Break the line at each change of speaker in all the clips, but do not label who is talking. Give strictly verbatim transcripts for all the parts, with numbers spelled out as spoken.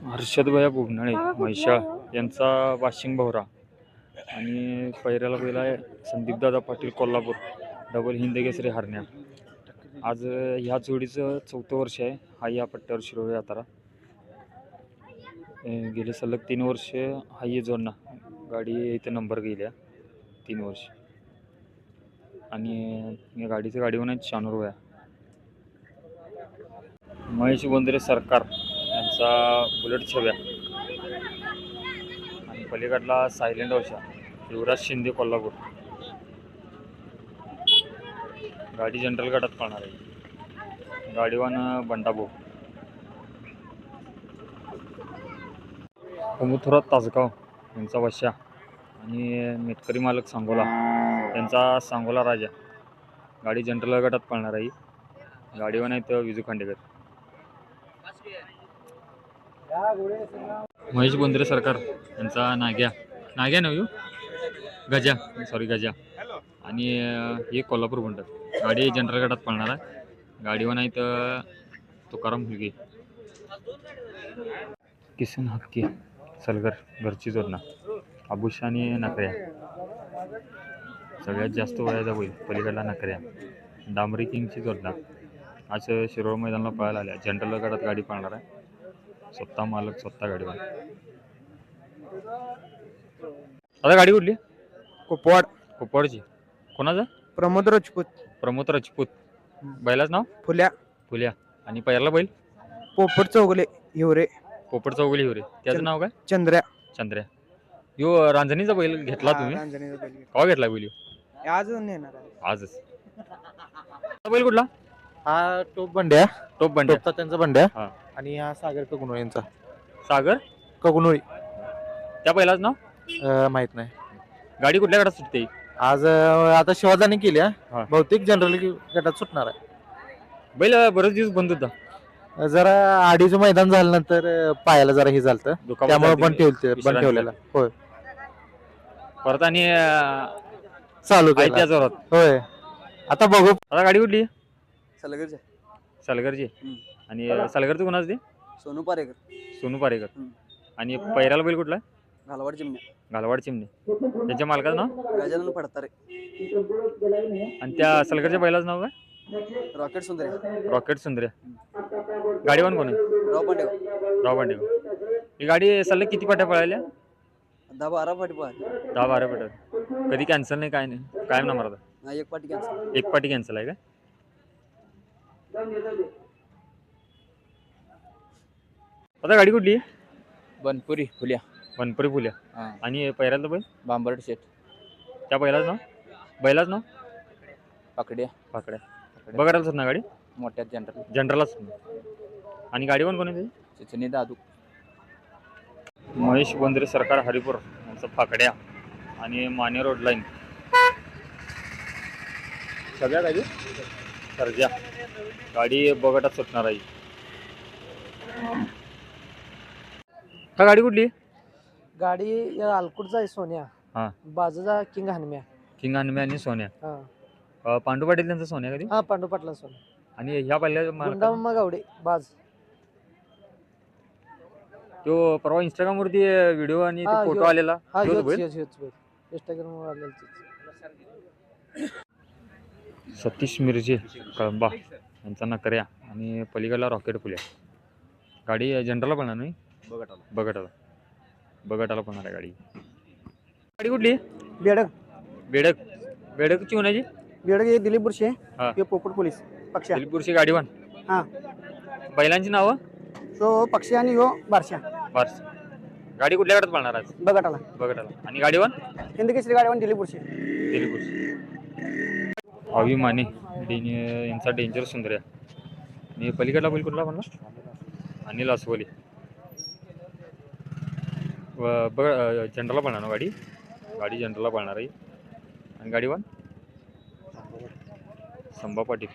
हर्षदभया बुबनाळे म्हैशाळ यांचा वाशिंग भवरा आणि पैऱ्याला पहिला आहे संदीपदादा पाटील कोल्हापूर डबल हिंद केसरी हरण्या. आज ह्या जोडीचं चौथं वर्ष आहे. हा या पट्ट्यावर शिरोळ यात्रा गेले सलग तीन वर्ष हा ये जोडणा गाडी इथे नंबर गेल्या तीन वर्ष आणि या गाडीचं गाडीवर आहेत शानूर वया. महेश बोंद्रे सरकार यांचा बुलेट छव्या आणि पलीकडला सायलेंट ओशा युवराज शिंदे कोल्हापूर. गाडी जनरल गटात पाहणार आहे. गाडीवान बंडाभाऊ. कुमुथुरात तासगाव यांचा वशा आणि मेटकरी मालक सांगोला यांचा सांगोला राजा. गाडी जनरल गटात पाळणार आहे. गाडीवान आहेत विजू खांडेकर. महेश बोंद्रे सरकार यांचा नाग्या नाग्या नव्हे गजा सॉरी गजा आणि हे कोल्हापूर म्हणतात. गाडी जनरल गटात पाळणार आहे. गाडीवान आहेत तुकाराम हुलगे. किसन हक्की सलगर घरची जोडणा आबुशा आणि नकऱ्या. सगळ्यात जास्त वयाचा बैल पलीकडला नकऱ्या. डांबरी किंगची जोडणा आज शिरोळ मैदानाला पळायला आल्या. जनरल गटात गाडी पाळणार आहे. स्वतः मालक स्वतः गाडीवर. आता गाडी कुठली?
कोपवाड.
कोपवाडची. कोणाचा?
प्रमोद राजपूत.
प्रमोद राजपूत. बैलाच नाव?
फुल्या.
फुल्या. आणि पहिला बैल
पोपट चौगले हिवरे.
पोपट चौगले हिवरे. त्याचं नाव काय?
चंद्र्या.
चंद्र्या. यो रांजणीचा बैल घेतला तुम्ही? केव्हा घेतला बैल?
आज नेणार आहे.
आजच. बैल कुठला?
हा टोप बंड्या.
टोप बंड्या
त्यांचा बंड्या.
हा.
आणि हा सागर कगुनोळी यांचा.
सागर
कगुनोळी.
त्या बैलाच नाव
माहित नाही.
गाडी कुठल्या गटात सुटते
आज? आता शिवाजाने केली
हा.
बहुतेक जनरल गटात सुटणार आहे.
बैल बरेच दिवस बंद होता.
जरा आडीचं मैदान झाल्यानंतर पायाला जरा हे झालं त्यामुळे पण ठेवते बंद ठेवलेला. होय.
परत आणि
चालू
आहे त्या जोरात.
होय. आता बघू.
आता गाडी कुठली?
सलगरचे.
सलगरची. आणि सलगरचं कोणाच ते?
सोनू पारेकर.
सोनू पारेकर. आणि पैराला बैल कुठला?
घालवाड चिमण्या.
घालवाड चिमणे. त्याच्या मालकाचं नाव?
गजानन फडतारे.
आणि त्या सलगरच्या बैलाचं नाव काय?
रॉकेट सुंदरे.
रॉकेट सुंदर्या. गाडीवान कोण आहे?
राव पांडेगाव.
राव पांडेगाव. ही गाडी सलग किती पाट्या पळाल्या?
दहा बारा पाठी पाहिजे.
दहा बारा पाट्या. कधी कॅन्सल नाही काय नाही कायम ना मारता?
एक पाठी कॅन्सल.
एक पाठी कॅन्सल आहे का? आता गाडी कुठली आहे?
बनपुरी फुल्या.
बनपुरी फुल्या. आणि पैराला बैल?
बांबरट शेट.
त्या बैलाच नाव? बैलाच नाव?
पाकड्या.
पाकड्या. बघायला सर ना गाडी?
मोठ्यात जनरल.
जनरलच. आणि गाडीवर कोण आहे?
चिचणी दादू.
महेश बोंद्रे सरकार हरिपूर यांचा फाकड्या आणि माने रोड लाईन. सगळ्या गाडी सर्जा. गाडी बघटात सुटणार आहे. का गाडी कुठली?
गाडी आलकुटचा आहे सोन्या.
हा.
बाजूचा किंग हनम्या.
किंग हनम्या आणि सोन्या.
हा.
पांडू पाटील त्यांचा सोन्या कधी?
हा पांडू पाटला सोन्या.
आणि ह्या पहिल्या
गुंडाम्मा गावडे बाज.
तो परवा इंस्टाग्राम वरती व्हिडिओ आणि
हा,
फोटो
ह्यो-
आलेला.
हा
ह्योच
ह्योच
बैल?
ह्योच ह्योच बैल. इंस्टाग्रामवर आलेला तेच.
सतीश मिरजे कळंबा यांचा नकऱ्या आणि पलीकडला रॉकेट फुल्या. गाडी जनरलला पळणार नाही?
बघटाला.
बघटाला. बघटाला पळणार आहे गाडी. गाडी कुठली?
बेडक.
बेडक. बेडकची होण्याची?
बेडक हे दिलीप बुरशे.
हा.
हे पोपट पोलीस पक्षा.
दिलीपूरची गाडीवान.
हा.
बैलांची नावं?
तो पक्षी आणि हो बारशा.
बस. गाडी कुठल्या गाडात पळणार आज?
बघटाला.
बघटाला. आणि गाडीवान?
हिंद केसरी गाडीवान दिलीप बुरशे.
दिलीपूरची. अभिमाने डें यांचा डेंजर सुंदर्या. आणि पलीकडला बैल कुठला म्हणला? अनिल अस्वली. बघ जनरलला पळणार ना गाडी? गाडी जनरलला पळणार आहे. आणि गाडीवान? संभा पाटील.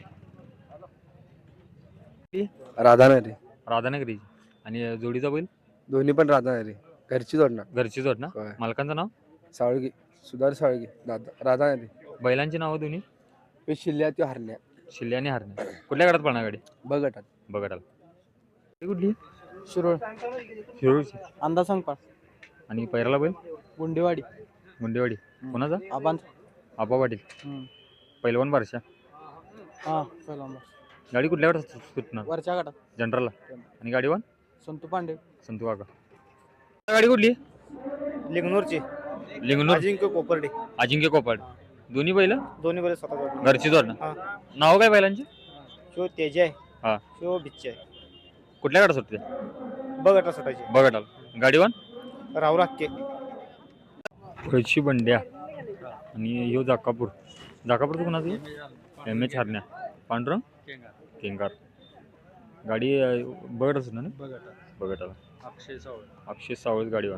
राधानगरी.
राधानगरी. आणि जोडीचा बैल?
दोन्ही पण राधानगरी. घरची जोडणार.
घरची जोड ना? मालकांचं नाव?
साळगी. सुधार साळगी. राधानगरी.
बैलांची नावं दोन्ही?
शिल्ल्या त्यो हरण्या.
शिल्ल्या आणि हरण्या. कुठल्या गाडात पळणार गाडी?
बघटात.
बघटाला. कुठली?
शिरोळ
शिरूरची.
अंदा सांगपाळ
आणि पैराला बैल
गुंडेवाडी
मुंडेवाडी. कोणाचा?
आबांत
आबा पाटील. पहिलवान बारशा.
हा पहिला
गाडी कुठल्या गटात सुटणार?
वरच्या गटात
जनरलला. आणि गाडीवान
संतू पांडे
संतू काका. गाडी कुठली?
लिंगनूरची
लिंगनूर.
अजिंक्य कोपर्डे.
अजिंक्य कोपाड. दोन्ही बैल
दोन्ही बैल स्वतः
घरची जोडणं.
हा.
नाव काय बैलांची?
शिव तेज आहे
हा.
शिव बिच्चे आहे.
कुठल्या गटात सुटते?
बघटा सुटायची
बघटाला. गाडीवान
राहुल हक्के.
खळशी बंड्या. आणि ह्यो जाकापूर. जाकापूरचं कोणाचं? एम एच हरण्या. पांढरं केंगार. गाडी बघत असत ना? बघटाला. अक्षय सावळत गाडीवान.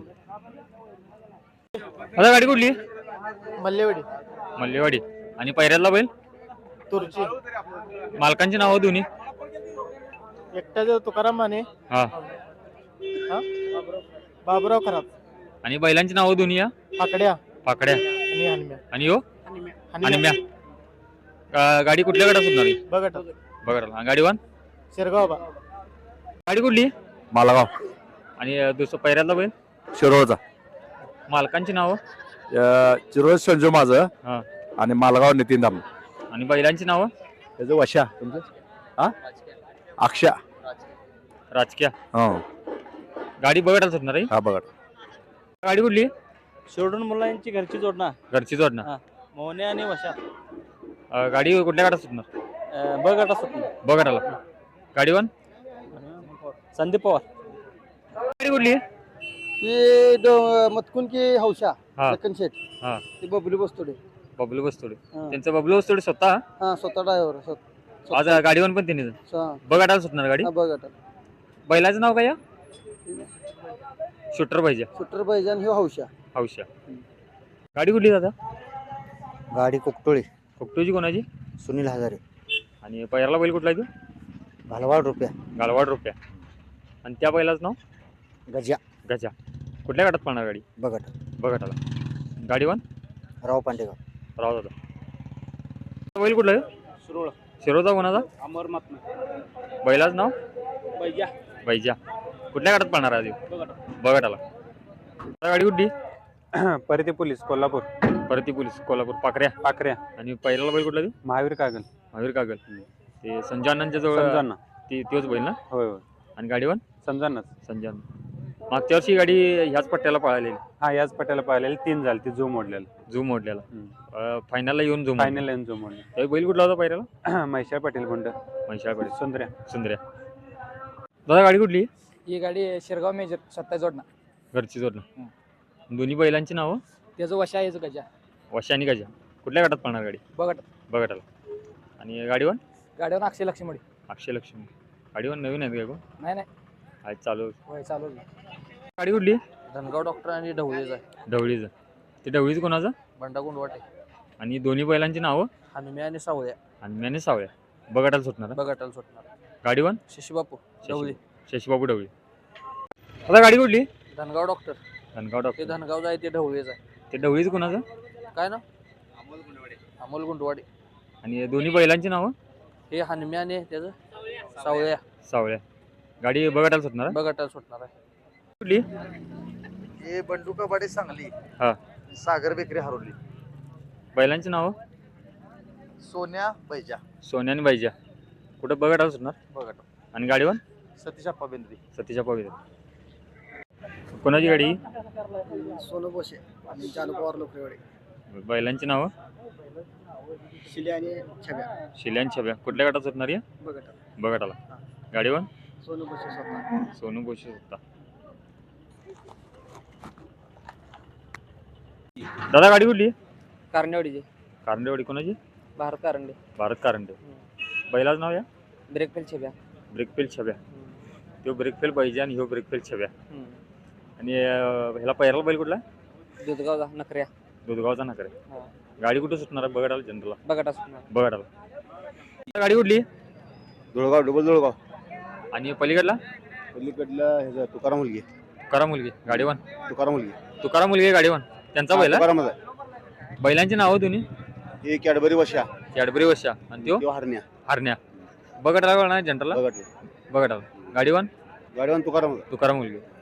आता गाडी कुठली?
मल्लेवाडी
मल्लेवाडी. आणि पैऱ्यातला बैल?
तुरची
मालकांची नावं दोन्ही?
एकट्याचं तुकाराम माने
हा.
हा बाबुराव खराब
आणि बैलांची नावं दोन्ही या?
फाकड्या
पाकड्या.
आणि हनम्या
आणि यो आणि म्या. गा- गाडी कुठल्या गटात सुटणार?
बघटा
बघा. गाडीवान
शिरगाव बा
गाडी कुठली?
मालागाव
आणि अं, दुसरं पैऱ्यातला बैल?
शिरोळचा.
मालकांची नावं?
चिरोळ संजू माझं
हा.
आणि मालगाव नितीन दाम.
आणि बैलांची नावं?
त्याचं वशा तुमचं हा अक्षा.
राजकीय.
हो
गाडी बघटाला सुटणार आहे.
हा बघा.
गाडी कुठली?
शिरडून मुलांची घरची जोडणा
घरची जोडणं.
मोहने आणि वशा
अं, गाडी कुठल्या गटात सुटणार?
बघटा सुटली
बघटाला. गाडीवान
संदीप पवार
गाडी कुठली?
ते मतकून की हौशा
हा.
लखन शेठ
हा.
ते बबली बसतोडे
बबलू बसतोडे.
हा.
त्यांचं बबलू बसतोडे स्वतः.
हा स्वतः ड्रायव्हर
आज गाडीवान पण त्यांनी बघटाला सुटणार गाडी.
बघटा
बैलाचं नाव काय? शूटर पाहिजे.
सुटर पाहिजे आणि ह्यो हौशा
हौशा. गाडी कुठली दादा?
गाडी कोकटोळी
कोकटूची कोणाची?
सुनील हजारे
आणि पैराला बैल कुठला आहे तो?
घालवाड रुपया
गालवाड रुपया. आणि त्या बैलाचं नाव?
गजा
गजा. कुठल्या गटात पळणार गाडी?
बघट
बघटाला. गाडीवान
राव पांडेगाव
राव दादा. बैल कुठला आहे?
सुरोळ
शिरोचा कोणाचा?
अमर मात्मा
बैलाचं नाव?
बैजा
बैजा. कुठल्या गटात पळणार आहे? बघटाला. गाडी कुठली?
परती पोलीस कोल्हापूर.
परती पोलीस कोल्हापूर. पाकऱ्या.
पाकऱ्या.
आणि पैराला बैल कुठला?
महावीर कागल.
महावीर कागल. ते संजय जवळ
समजांना.
ती तोच बैल ना?
होय होय
आणि गाडीवान?
समजांनाच.
संजय. मागच्या वर्षी गाडी ह्याच पट्ट्याला पळालेली.
हा याच पट्याला पाहिलेली तीन झाली ती झूम मोडलेला.
झूम मोडलेला. फायनलला येऊन झूम.
फायनल लाईन झूम मोडली.
त्या बैल कुठला होता पैराला?
म्हैशाळ पाटील गुंड
म्हैशाळकडे.
सुंदर्या.
सुंदर्या. दादा गाडी कुठली?
ही गाडी शिरगाव मेजर सत्ता जोडणा
घरची जोडणं. दोन्ही बैलांची नावं?
त्याचं वशा याचं गजा
वशा आणि गजा. कुठल्या गटात पळणार गाडी?
बघट
बघटाला. आणि गाडीवान?
गाडीवर अक्षय लक्ष्मी
अक्षय लक्ष्मी. गाडीवान नवीन आहेत का? कोण
नाही नाही
आज चालू.
होय चालू
गाडी कुठली?
धनगाव डॉक्टर आणि ढवळीचा
ढवळीचं. ते ढवळीचं कोणाचं?
बंडा गुंडवाटे
आणि दोन्ही बैलांची नावं?
हनुम्या आणि सावळ्या
आणि म्याने सावळ्या. बघटाला सुटणार.
बघटाला सुटणार.
गाडीवान?
शशीबापू ढवळी
शशीबाबू ढवळी. आता गाडी कुठली?
धनगाव डॉक्टर
धनगाव
ते
डॉक्टर.
धनगावचं आहे ते ढवळीचं आहे
ते ढवळीचं कोणाचं?
काय ना अमोल गुंडवाडे.
आणि दोन्ही बैलांची नावं?
हे हनुम्या आणि त्याचं सावळ्या
सावळ्या. गाडी बघटाला सुटणार.
बघटाला सुटणार आहे.
कुठली?
हे बंडुका बाडे सांगली.
हा.
सागर बेकरी हरवली.
बैलांची नावं?
सोन्या बैजा.
सोन्या आणि बाईजा. कुठं बघटाला सुटणार.
बघट
आणि गाडीवान?
सतीश अप्पा बेंद्री.
सतीच्या पवित्र. कोणाची गाडी?
सोनू बोशे आणि चालू पवार लोकरेवाडे.
बैलांची नावं?
शिले आणि छब्या
शिल्यान छब्या. कुठल्या गटात सुटणार आहे?
बघटा
बघटाला. गाडीवान?
सोनू बोशे स्वतः
सोनू बोशी होता. दादा गाडी कुठली?
कारंडेवाडीचे
कारंडेवाडी. कोणाची?
भारत कारंडे.
भारत कारंडे. बैलाच नाव या?
ब्रेक फेल छब्या.
ब्रेकफेल छब्या. तो ब्रेकफेल पाहिजे आणि ह्यो ब्रेकफेल छब्या. आणि अं, ह्याला पैराला बैल कुठला?
दुधगावचा नकऱ्या.
दुधगावचा नाकर. गाडी कुठं सुटणार आहे? बघटाला. जनरलला.
बघटा सुटणार.
बघटाला. गाडी कुठली?
धुळगाव डबल धुळगाव.
आणि पलीकडला?
पलीकडला ह्याचा तुकाराम मुलगी.
तुकारा मुलगी. गाडीवान?
तुकाराम मुलगी.
तुकारा मुलगी गाडीवान. त्यांचा बैल.
तुकारामच आहे.
बैलांची नावं दोन्ही?
ही कॅडबरी वशा.
कॅडबरी वशा. आणि त्यो
तो हरण्या.
हरण्या. बघटाला ना जनरलला.
बघट.
बघटाला. गाडीवान?
गाडीवान तुकाराम
तुकाराम मुलगे